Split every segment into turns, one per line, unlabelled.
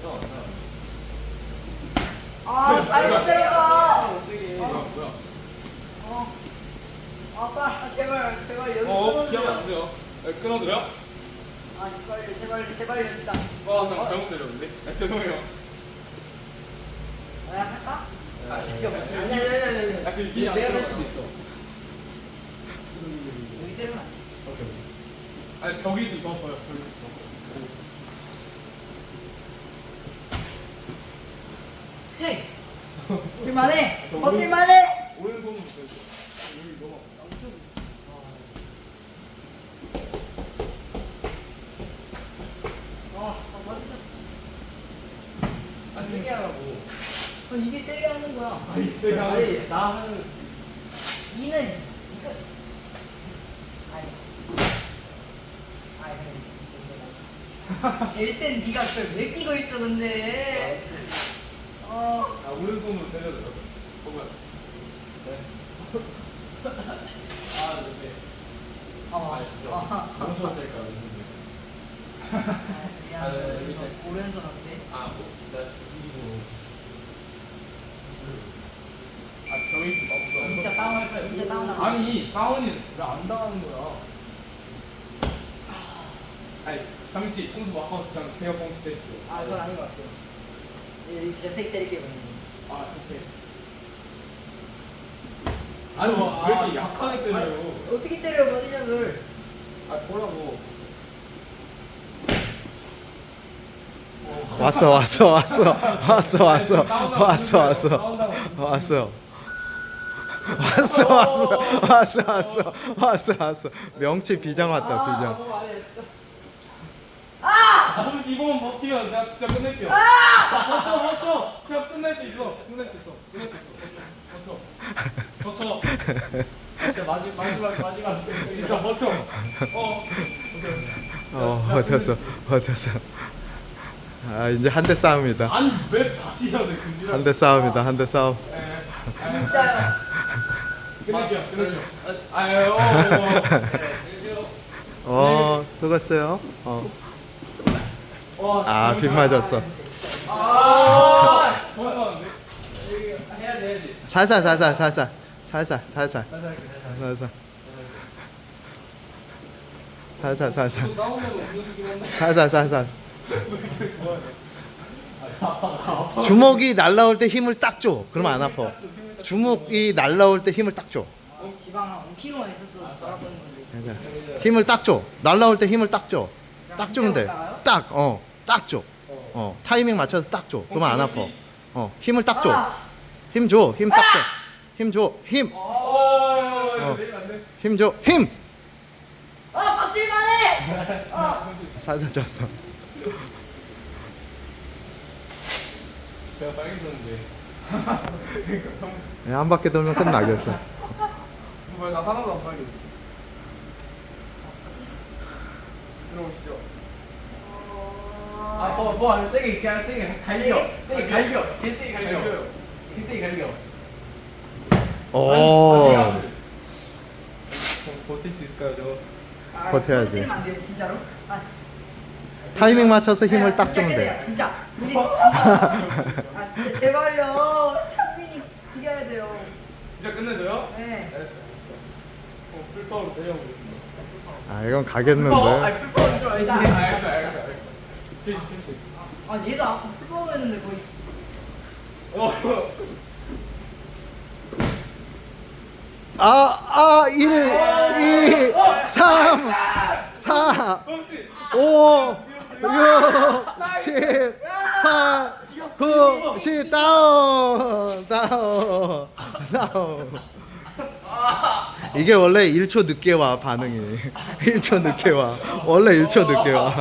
아, 잘못 때렸다.
뭐야?
아빠, 제발 연습
기억
끊어주세요.
안 돼요. 끊어줘요?
아, 제발요, 진짜.
잠깐 잘못 때렸는데. 죄송해요.
내가 할까?
지금 기억 안
내가 할
돼요.
수도 있어.
여기 때리면 안 돼.
오케이.
아니 벽이 있었어요. 벽이 있었어.
헤이. 버틸만해.
저
버틸만해.
오른손으로 보여줘. 여기 너무
버티자.
세게 하라고.
이게 세게 하는 거야.
아니 세게 하는.
아니, 나 하는.
이는 이거. 아니. 제일 센 니가 그걸 왜 끼고 있어 근데.
오른손으로 때려줘요. 뭐야?
네.
아,
무서워 될까, 무서워.
미안. 오른손 어때?
나 이기고.
벽이 있어.
진짜 다운할 거야. 진짜 다운할 거야.
아니 다운이 왜 안 당하는 거야? 아니 당시 청소 막 하고 그냥 제가 뻥치 때릴게요.
아, 그건 아닌 것 같아요. 진짜 세게 때릴게요.
오케이. 아니 왜 이렇게 약하게 때려요?
어떻게 때려 버디샷을?
뭐라고?
왔어. 명치 비장 왔다, 비장.
너무 안 해, 진짜.
혹시 이거만 버티면 제가 진짜 끝낼게요. 버텨. 제가 끝낼 수 있어. 버텨.
진짜 마지막.
진짜 버텨.
버텼어. 아, 이제 한 대 싸움이다.
아니 왜 버티셔야 돼? 금지라.
한 대 싸움.
진짜요.
끝낼게요.
수고했어요. 아, 빗 맞았어.
도망가는데?
해야지.
살살.
다운으로 음료수긴 한데.
살살. 주먹이 날라올 때 힘을 딱 줘. 그러면 안 아파. 주먹이 날라올 때 힘을 딱 줘.
지방 한 5kg만 있었어. 살았었는 건데.
괜찮아. 힘을 딱 줘. 날라올 때 힘을 딱 줘. 딱 주면 돼. 딱 줘. 타이밍 맞춰서 딱 줘. 그러면 안 아파. 힘을 딱 줘. 힘 줘. 힘 딱 줘. 힘 줘. 힘. 힘 줘. 힘.
버틸만해.
살살 쪘어.
내가 빨개졌는데.
한 바퀴 돌면 끝나겠어.
뭐야 나 하나도 안 빨개졌어. 들어오시죠.
세게 갈겨. 세게 갈겨. 개세게 갈겨. 개세게 갈겨.
오.
버틸 수 있을까요 저?
버텨야지.
때리면 안 돼요, 진짜로.
타이밍 맞춰서 힘을 딱 주면 돼.
진짜. 진짜 제발요. 창민이 이겨야 돼요.
진짜 끝내줘요?
네.
풀파워로 때려보겠습니다.
아, 이건 가겠는데.
풀파워는 좀 아니지.
알겠어. 70.
얘도 아까 풀파워 했는데 거의.
아, 1, 2, 3, 4, 5, 6, 7, 8, 9, 10, 다운. 이게 원래 1초 늦게 와, 반응이. 1초 늦게 와. 원래 1초 늦게 와.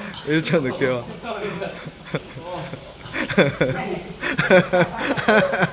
1초 늦게 와.